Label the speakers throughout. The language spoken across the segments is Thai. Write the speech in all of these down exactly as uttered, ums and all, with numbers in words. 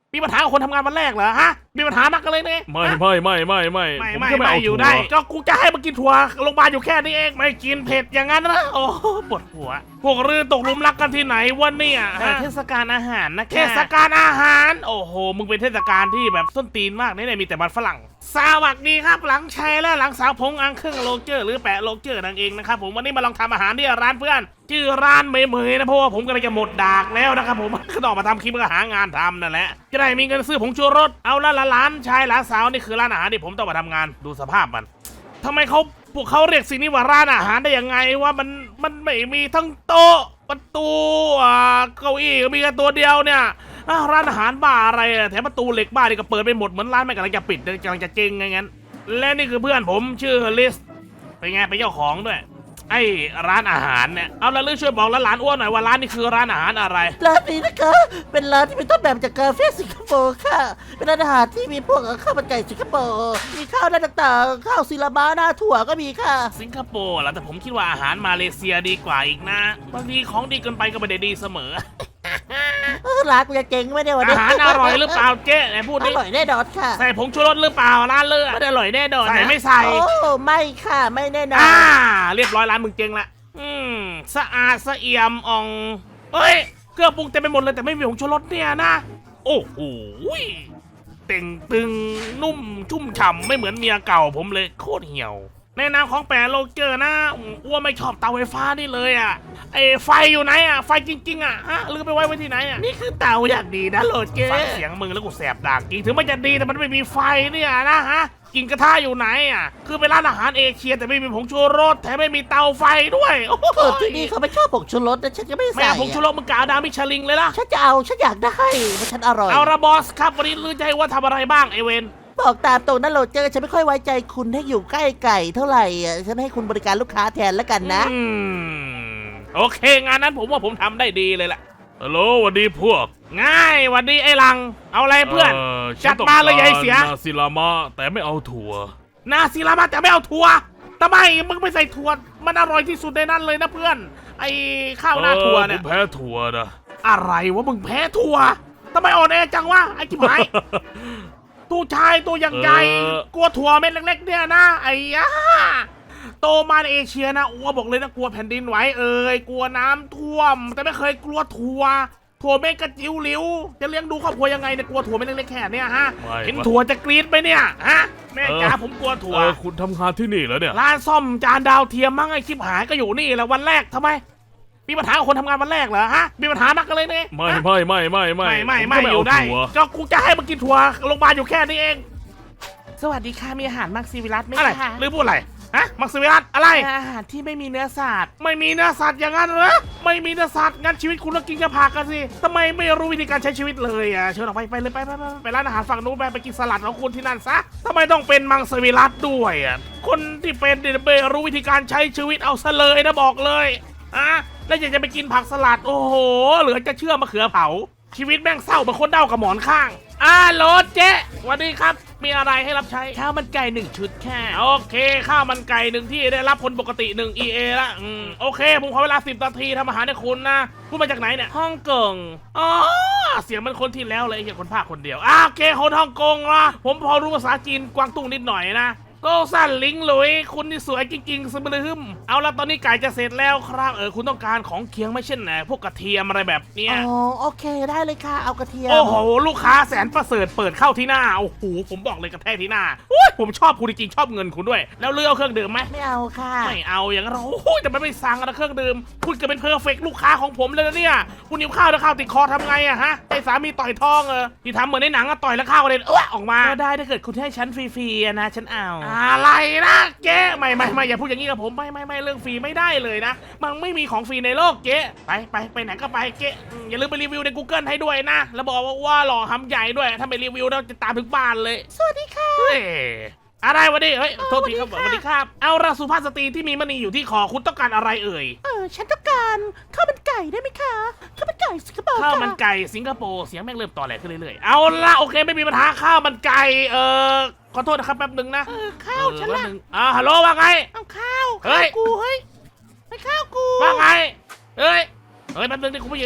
Speaker 1: มีปัญหากับคนทำงานวันแรกเหรอฮะมีปัญหานักกันเลยเนี่ย
Speaker 2: ไม่ไม่ไม่ไม่ไม่
Speaker 1: ไม่ไม่ไม่อยู่ได้ก็กูจะให้มากินถั่วโรงพยาบาลอยู่แค่นี้เองไม่กินเผ็ดอย่างนั้นนะโอ้ปวดหัวพวกรื่นตกหลุมรักกันที่ไหนวะเนี่ยเทศกาลอาหารนะเทศกาลอาหารโอ้โหมึงเป็นเทศกาลที่แบบส้นตีนมากเนี่ยมีแต่มันฝรั่งสวัสดีครับหลังชัยและหลังสาวพงอังเครื่องโลเจอร์หรือแปะโลเจอร์นั่นเองนะครับผมวันนี้มาลองทำอาหารที่ร้านเพื่อนชื่อร้านเมย์เมย์นะเพราะว่าผมกำลังจะหมดดากแล้วนะครับผมก็ต้องมาทำคลิปก็หางานทำนั่นแหละจะได้มีเงินซื้อผงชูรสเอาละละร้านชายหลานสาวนี่คือร้านอาหารที่ผมต้องมาทำงานดูสภาพมันทำไมเขาพวกเขาเรียกสิ่งนี้ว่าร้านอาหารได้ยังไงว่ามันมันไม่มีทั้งโต๊ะประตูอ่าเก้าอี้มีแค่ตัวเดียวเนี่ยร้านอาหารบ้าอะไรแถมประตูเหล็กบ้านี่ก็เปิดไปหมดเหมือนร้านไม่กำลังจะปิดกำลังจะเจ๊งไงงั้นและนี่คือเพื่อนผมชื่อลิสเป็นไงเป็นเจ้าของด้วยไอ้ร้านอาหารเนี่ยเอาละลือช่วยบอกหลานอ้วนหน่อยว่าร้านนี้คือร้านอาหารอะไร
Speaker 3: ร้านนี้นะคะเป็นร้านที่เป็นต้นแบบจากกาแฟสิงคโปร์ค่ะเป็นร้านอาหารที่มีพวกข้าวมันไก่สิงคโปร์มีข้าวหน้าต่างๆข้าวซีลาบ้าหน้าถั่วก็มีค่ะ
Speaker 1: สิงคโปร์แล้วแต่ผมคิดว่าอาหารมาเลเซียดีกว่าอีกนะบางทีของดีเกินไปก็ไม่ได้ดีเสมอ
Speaker 3: ร้านกูจะเจ๊งไม่ได้วันนี้
Speaker 1: อาหารอร่อยหรือเปล่าเจ๊ไหนพูดดิ
Speaker 3: อร่อยแน่นอนค่ะ
Speaker 1: ใส่ผงชูรสหรือเปล่าร้านเลือดไม่อร่อยแน่นอนใส่ไม่ใส่
Speaker 3: โอ้ไม่ค่ะไม่แน่นอน
Speaker 1: อ่าเรียบร้อยร้านมึงเจ๊งละอืมสะอาดสะเอี่ยมอ่องเฮ้ยเครื่องปรุงเต็มไปหมดเลยแต่ไม่มีผงชูรสเนี่ยนะโอ้โหเต่งตึงนุ่มชุ่มฉ่ำไม่เหมือนเมียเก่าผมเลยโคตรเหี่ยวในนามของแปรโลเจอร์นะอ้วนไม่ชอบเตาไฟฟ้านี่เลยอ่ะไอ้ไฟอยู่ไหนอ่ะไฟจริงๆอ่ะฮะลืมไปไว้ไว้ที่ไหนอ่ะนี่คือเตาอย่างดีนะโลเจอร์ฟังเสียงมึงแล้วกูแสบด่างจริงถึงมันจะดีแต่มันไม่มีไฟเนี่ยนะฮะกินกระทะอยู่ไหนอ่ะคือเป็นร้านอาหารเอเชียแต่ไม่มีผงชูรสแถมไม่มีเตาไฟด้วย
Speaker 3: เออที่นี่เขาไม่ชอบผงชูรสนะฉันจะไม่ใส่
Speaker 1: ไม่เอาผงชูรสมึงกาวดามิชลิงเลยล่ะ
Speaker 3: ฉันจะเอาฉันอยากได้เพราะฉันอร่อย
Speaker 1: เอาละบอสครับวันนี้ลือใจว่าทำอะไรบ้างไอเวน
Speaker 3: บอกตามตรงนั้นโรเจอร์ฉันไม่ค่อยไว้ใจคุณให้อยู่ใกล้ไก่เท่าไหร่อ่ะฉันให้คุณบริการลูกค้าแทนแล้วกันนะ
Speaker 1: อืมโอเคงานนั้นผมว่าผมทำได้ดีเลยแหละ
Speaker 2: ฮัลโหลสวัสดีพวก
Speaker 1: ง่ายสวัสดีไอ้ลังเอาอะไรเพื่อนจัดมาเลยยายเสีย
Speaker 2: นาซิลามะแต่ไม่เอาถั่ว
Speaker 1: นาซิลามะแต่ไม่เอาถั่วทำไมมึงไม่ใส่ถั่วมันอร่อยที่สุดในนั้นเลยนะเพื่อนไอ้ข้าวหน้าถั่วเนี่ย
Speaker 2: ผมแพ้ถั่วนะ
Speaker 1: อะไรวะมึงแพ้ถั่วทำไมอ่อนแอจังวะไอ้กิ๊บหายตัวชายตัวอย่างใหญ่กลัวถั่วเม็ดเล็กๆเนี่ยนะไอ้ยาโตมาในเอเชียนะอ้วบอกเลยนะกลัวแผ่นดินไหวเอ่ยกลัวน้ำท่วมแต่ไม่เคยกลัวถั่วถั่วเม็ดกระจิ๋วหลิวจะเลี้ยงดูครอบครัวยังไงเนี่ยกลัวถั่วเม็ดเล็กๆแค่เนี่ยฮะเห็นถั่วจะกรี๊ดไปเนี่ยฮะแม่จ๋าผมกลัวถั่ว
Speaker 2: คุณทำงานที่นี่แล้วเนี่ย
Speaker 1: ร้านซ่อมจานดาวเทียมมั้งไอ้คลิปหายก็อยู่นี่แหละวันแรกทำไมมีปัญหากับคนทำงานวันแรกเหรอฮะมีปัญหานักกันเลยเนี่ย
Speaker 2: ไม่ไม่ไม่ไม่ไม่
Speaker 1: ไม่ไม่ไม่อยู่ได้ก็กูจะให้มากินถั่วโรงพยาบาลอยู่แค่นี้เองสวัสดีค่ะมีอาหารมักซิวิรัสไหมคะหรือพูดอะไรฮะมักซิวิรัสอะไรอาหารที่ไม่มีเนื้อสัตว์ไม่มีเนื้อสัตว์อย่างนั้นเหรอไม่มีเนื้อสัตว์งั้นชีวิตคุณต้องกินกระผักกันสิทำไมไม่รู้วิธีการใช้ชีวิตเลยอ่ะเชิญออกไปไปเลยไปไปไปร้านอาหารฝั่งนู้นไปไปกินสลัดของคุณที่นั่นซะทำไมต้องเป็นมังสวิรัตด้วยอ่ะคนที่เป็นเดนเบรู้วิธีการใช้ชีวิตเอาซะเลยนะบอกเลยอ่ะแล้วอยากจะไปกินผักสลัดโอ้โหเหลือจะเชื่อมะเขือเผาชีวิตแม่งเศร้าเหมือนคนเด้ากับหมอนข้างอ่าโหลเจ๊สวัสดีครับมีอะไรให้รับใช้ข้าวมันไก่หนึ่งชุดแค่โอเคข้าวมันไก่หนึ่งที่ได้รับคนปกติหนึ่ง อี เอ ละอืมโอเคผมขอเวลาสิบนาทีทำอาหารให้คุณนะคุณมาจากไหนเนี่ยฮ่องกงอ๋อเสียงมันคนที่แล้วเลยเห็นคนภาคคนเดียวอ่าโอเคคนฮ่องกงละผมพอรู้ภาษาจีนกวางตุ้งนิดหน่อยนะโก็สั้นลิงหลุยคุณนี่สวยจริงๆสมบูรณ์เอาละตอนนี้ไก่จะเสร็จแล้วครับเออคุณต้องการของเคียงไม่เช่นไหนพวกกระเทียมอะไรแบบเนี้ย
Speaker 3: อ๋อโอเคได้เลยค่ะเอากระเทียม
Speaker 1: โอ้โหลูกค้าแสนประเสริฐเปิดเข้าที่หน้าโอ้โหผมบอกเลยกระแทกที่หน้าผมชอบคุณจริงๆชอบเงินคุณด้วยแล้วเลือกเครื่องดื่มไหม
Speaker 3: ไม่เอาค่ะ
Speaker 1: ไม่เอาอย่างนั้นโอ้ยแต่ไม่สั่งนะเครื่องดื่มคุณเกิดเป็นเพอร์เฟกต์ลูกค้าของผมเลยนะเนี่ยคุณหิวข้าวแล้วข้าวติดคอทำไงอะฮะไอ้สามีต่อยท้องเออที่ทำเหมือนในหนังอะต่อยแล้วข้าวกระเด็นเออออกมาได้ถ้าเกิดคุณให้ฉันฟรีๆนะฉันเอาอะไรนะเจ๊ไม่ไม่ไม่อย่าพูดอย่างนี้กับผมไม่ไม่ไม่เรื่องฟรีไม่ได้เลยนะมันไม่มีของฟรีในโลกเจ๊ไปไปไปไหนก็ไปเจ๊อย่าลืมไปรีวิวใน Google ให้ด้วยนะแล้วบอกว่าว่าหล่อหำใหญ่ด้วยถ้าไปรีวิวเราจะตามถึงบ้านเลย
Speaker 3: สวัสดีค่ะ
Speaker 1: อะไรวะดิเฮ้ยโทษทีครับสวัสดีครับเอาราสุภาพสตรีที่มีมณีอยู่ที่คอคุณต้องการอะไรเอ่ย
Speaker 3: เออฉันต้องการข้าวมันไก่ได้ไหมคะข้าวมันไก่สิงคโปร์
Speaker 1: ข้าวมันไก่สิงคโปร์เสียงแม่งเริ่มต่อแหลขึ้นเรื่อยๆเอาละโอเคไม่มีปัญหาข้าวมันไก่เออขอโทษนะครับแป๊บนึงนะ
Speaker 3: เออข้าวฉันละ
Speaker 1: อ่าฮัลโหลว่าไง
Speaker 3: เอาข้าวเฮ้ยกูเฮ้ยไปข้าวกู
Speaker 1: ว่าไงเฮ้ยเฮ้ยแป๊บนึงดิคุณผู้หญิง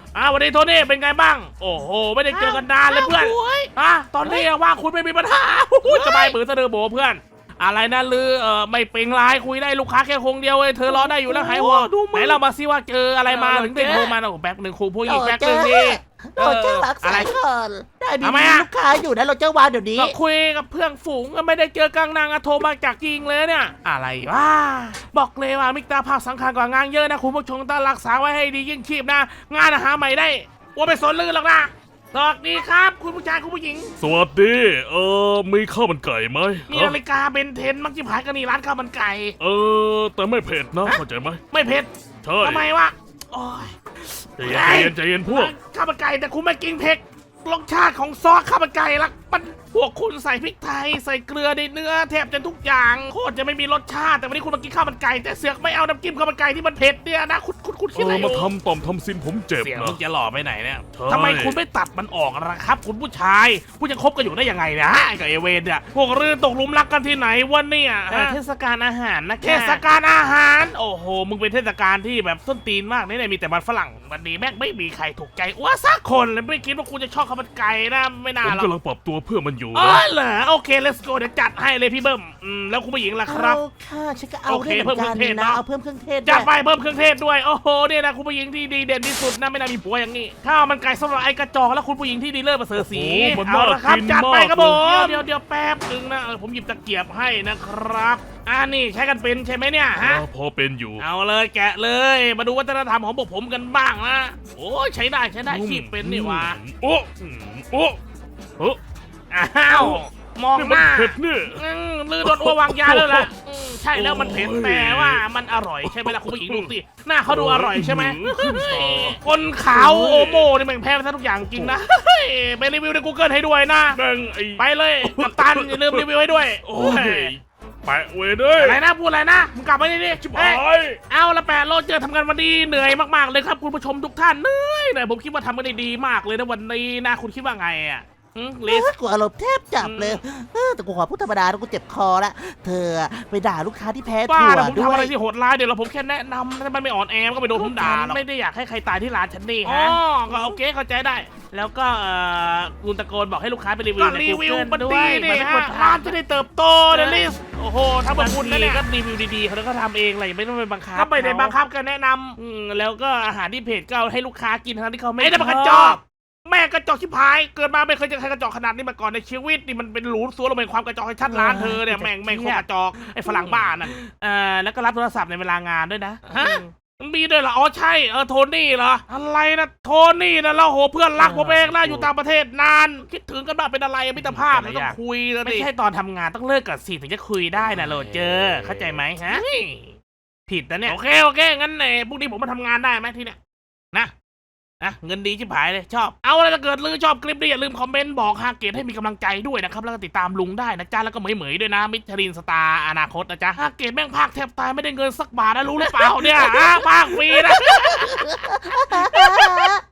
Speaker 1: อ่าวันนี้โทนี่เป็นไงบ้างโอ้โหไม่ได้เจอกันนานเลยเพื่อนอ่ะตอนนี้ว่าคุณไม่มีปัญหาจะไปมือเสนอโบเพื่อนอะไรนะลือเออไม่เป็นไรคุยได้ลูกค้าแค่คงเดียวเว้ยเธอรอได้อยู่แล้วหายห่วงไหนเรามาซิว่าเจออะไรมาถึงได้โทรมาโอ้แป๊บหนึ่งครูผู้หญิงแป๊บหนึ่งดี
Speaker 3: โรเจอร์รักษาก่อนได้มี
Speaker 1: ทำไมอะ
Speaker 3: ลูกค้าอยู่นะโรเจอร์วางเดี๋ยวนี้
Speaker 1: ก็คุยกับเพื่อนฝูงก็ไม่ได้เจอกลางนางอะโทรมาจากจริงเลยเนี่ยอะไรวะบอกเลยว่ามิกตาภาคสังขารกว่างานเยอะนะคุณผู้ชมต้องรักษาไว้ให้ดียิ่งชีพนะงานอาหารใหม่ได้ว่าไปสนลือหรอกนะสวัสดีครับคุณผู้ชายคุณผู้หญิง
Speaker 2: สวัสดีเออมีข้าวมันไก่ไหม
Speaker 1: มี
Speaker 2: ฮะ
Speaker 1: นาฬิกาเบนเทนมักจิพายกันนี่ร้านข้าวมันไก่
Speaker 2: เออแต่ไม่เผ็ดนะเข้าใจไหม
Speaker 1: ไม่เผ็ด
Speaker 2: ใช่
Speaker 1: ทำไมวะโอ้ย
Speaker 2: ใจเย็นใจเย็นใจเย็นพวก
Speaker 1: ข้าวมันไก่แต่คุณไม่กินเผ็ดรสชาติของซอสข้าวมันไก่ละมันพวกคุณใส่พริกไทยใส่เกลือในเนื้อแทบจะทุกอย่างโคตรจะไม่มีรสชาติแต่วันนี้คุณมากินข้าวมันไก่แต่เสือกไม่เอาน้ำจิ้มข้าวมันไก่ที่มันเผ็ดเนี่ยนะคุณคุณคุณคิด
Speaker 2: เอ
Speaker 1: อะไร
Speaker 2: อ
Speaker 1: อ
Speaker 2: มา
Speaker 1: ยู่
Speaker 2: ทำต่อมทำซินผมเจ็บ
Speaker 1: เสียง
Speaker 2: นะ
Speaker 1: มึงจะหล่อไปไหนเนี่ย
Speaker 2: ใช่
Speaker 1: ทำไมคุณไม่ตัดมันออกล่ะครับ คุณผู้ชายคุณจะคบกันอยู่ได้ยังไงนะกับเอเวนเนี่ยพวกเรื่องตกหลุมรักกันที่ไหนวะเนี่ยเทศกาลอาหารนะเทศกาลอาหารโอ้โหมึงเป็นเทศกาลที่แบบส้นตีนมากนี่มีแต่มันฝรั่งวันนี้แม่งไม่มีใครถูกใจอ้วสักคนเลยไม่คิดว่าคุณจะชอบข้าวมันไก่นะไม่น่า
Speaker 2: ผม
Speaker 1: หรอก
Speaker 2: กำลังปรับตัวเพื่อมันอยู่
Speaker 1: อ๋อ
Speaker 2: นะ
Speaker 1: เหรอโอเค let's go เดี๋ยวจัดให้เลยพี่เบิ้มอืมแล้วคุณผู้หญิงล่ะครับ
Speaker 3: เอาค่ะฉันก็เอา
Speaker 1: โอเค
Speaker 3: ด้วยเหมือนกัน
Speaker 1: เพิ่มเครื่องเทศ
Speaker 3: นะ
Speaker 1: เนอะ
Speaker 3: เอาเพิ่มเครื่องเทศ
Speaker 1: จัด
Speaker 3: ด้วย
Speaker 1: ไปเพิ่มเครื่องเทศด้วยโอ้โหเนี่ยนะคุณผู้หญิงที่ดีเด่นที่สุดนะไม่น่ามีผัวอย่างนี้ข้าวมันไก่สำหรับไอ้กระจอกและคุณผู้หญิงที่ดีเลิศประเสริฐศรี
Speaker 2: โอ้โหมัน
Speaker 1: เอา
Speaker 2: น่า
Speaker 1: ละครับ
Speaker 2: กิน
Speaker 1: จัดไป
Speaker 2: มาก
Speaker 1: ครับผม
Speaker 2: เลย
Speaker 1: เดี๋ยวเดี๋ยวแป๊บหนึงนะเออผมหยิบตะเกียบให้นะครับอ่านี่ใช้กันเป็นใช่ไหมเนี่ยฮะ
Speaker 2: อ่าพอเป็นอยู่
Speaker 1: เอาเลยแกะเลยมาดูวัฒนธรรมของพวกผมกันบ้างนะโอ้ยใช้ได้ใช้ได้ขีบเป็นนี่หว่า
Speaker 2: โอ้โอ้เออ
Speaker 1: อ้าวมอง
Speaker 2: นี่
Speaker 1: ห
Speaker 2: มัน
Speaker 1: น้า
Speaker 2: เผ็ดนี่
Speaker 1: อืมลือโดนอ้ววางยาแล้วล่ะอืมใช่แล้วมันเผ็ด
Speaker 2: โอ้ย
Speaker 1: แต่ว่ามันอร่อยใช่ไหมล่ะคุณผู้หญิงดูสิหน้าเขาดูอร่อยใช่ไหม
Speaker 2: ขึ้นคอ
Speaker 1: คนขาวโอโมนี่แม่งแพ้ไปซะทุกอย่างจริงนะเฮ้ยไปรีวิวใน Google ให้ด้วยนะ
Speaker 2: แม่งไอ้
Speaker 1: ไปเลยกัปตันอย่าลืมรีวิวให้ด้วย
Speaker 2: โอ้ยแปะเว้ยด้วย
Speaker 1: อะไรนะพูดอะไรนะมึงกลับมาดิดิ
Speaker 2: ชิบ
Speaker 1: เอ้
Speaker 2: หาย ย
Speaker 1: เอาละแปดโลเจอทำงานวันนี้เหนื่อยมากๆเลยครับคุณผู้ชมทุกท่านเหนื่อยเลยผมคิดว่าทำกันได้ดีมากเลยนะวันนี้นะคุณคิดว่าไงอ่ะอืมลิส
Speaker 3: กูอารมณ์แทบจับเลยเออแต่กูขอพูดธรรมดาแล้วกูเจ็บคอละเธอไปด่าลูกค้าที่แพ้
Speaker 1: บ้า
Speaker 3: ถั่ว
Speaker 1: นะผม
Speaker 3: ด้
Speaker 1: ทำ
Speaker 3: ว
Speaker 1: อะไร
Speaker 3: ย
Speaker 1: ที่โหดร้ายเดี๋ยวเราผมแค่แนะนำถ้ามันไม่อ่อนแอมันก็ไปโดนผมด่าหรอกไม่ได้อยากให้ใครตายที่ร้านฉันนี่ฮะอ๋อก็โอเคเข้าใจได้ แล้วก็เอ่อคุณตะโกนบอกให้ลูกค้าไปรีวิวใน Google มันดีนี่ฮะร้านจะได้เติบโตนะลิสโอ้โหถ้ามาคุณนะเนี่ยก็รีวิวดีๆเขาก็ทำเองอะไรไม่ต้องไปบังคับก็ไม่ได้บังคับก็แนะนำอืมแล้วก็อาหารที่เพจก็เอาให้ลูกค้ากินทั้งที่เขาไม่ได้บังคับจอบแม่กระจอกชิบหายเกิดมาไม่เคยเจอใครกระจอกขนาดนี้มาก่อนในชีวิตนี่มันเป็นหลูนซัวลงเป็นความกระจอกให้ชัดร้านเธอเนี่ยแม่งแม่งโคตรกระจอกไอ้ฝรั่งบ้านั่นเอ่อแล้วก็รับโทรศัพท์ในเวลางานด้วยนะฮะมีด้วยเหรออ๋อใช่เออโทนี่เหรออะไรนะโทนี่นะเราโหเพื่อนรักผมเองนะอยู่ต่างประเทศนานคิดถึงกันบ้างเป็นอะไรมิตรภาพมันต้องคุยแล้วไม่ใช่ตอนทำงานต้องเลิกกับสิถึงจะคุยได้นะโรเจอร์เข้าใจไหมฮะผิดนะเนี่ยโอเคโอเคงั้นเน่พรุ่งนี้ผมมาทำงานได้ไหมที่เนี่ยนะนะเงินดีชิบหายเลยชอบเอาอะไรถ้าเกิดลือชอบคลิปนี้อย่าลืมคอมเมนต์บอกฮาเกตให้มีกำลังใจด้วยนะครับแล้วก็ติดตามลุงได้นะจ๊ะแล้วก็เหมยๆด้วยนะมิชลินสตาร์อนาคตนะจ๊ะฮาเกตแม่งภาคแทบตายไม่ได้เงินสักบาทนะรู้หรือเปล่าเนี่ยฮะภาคฟรีนะ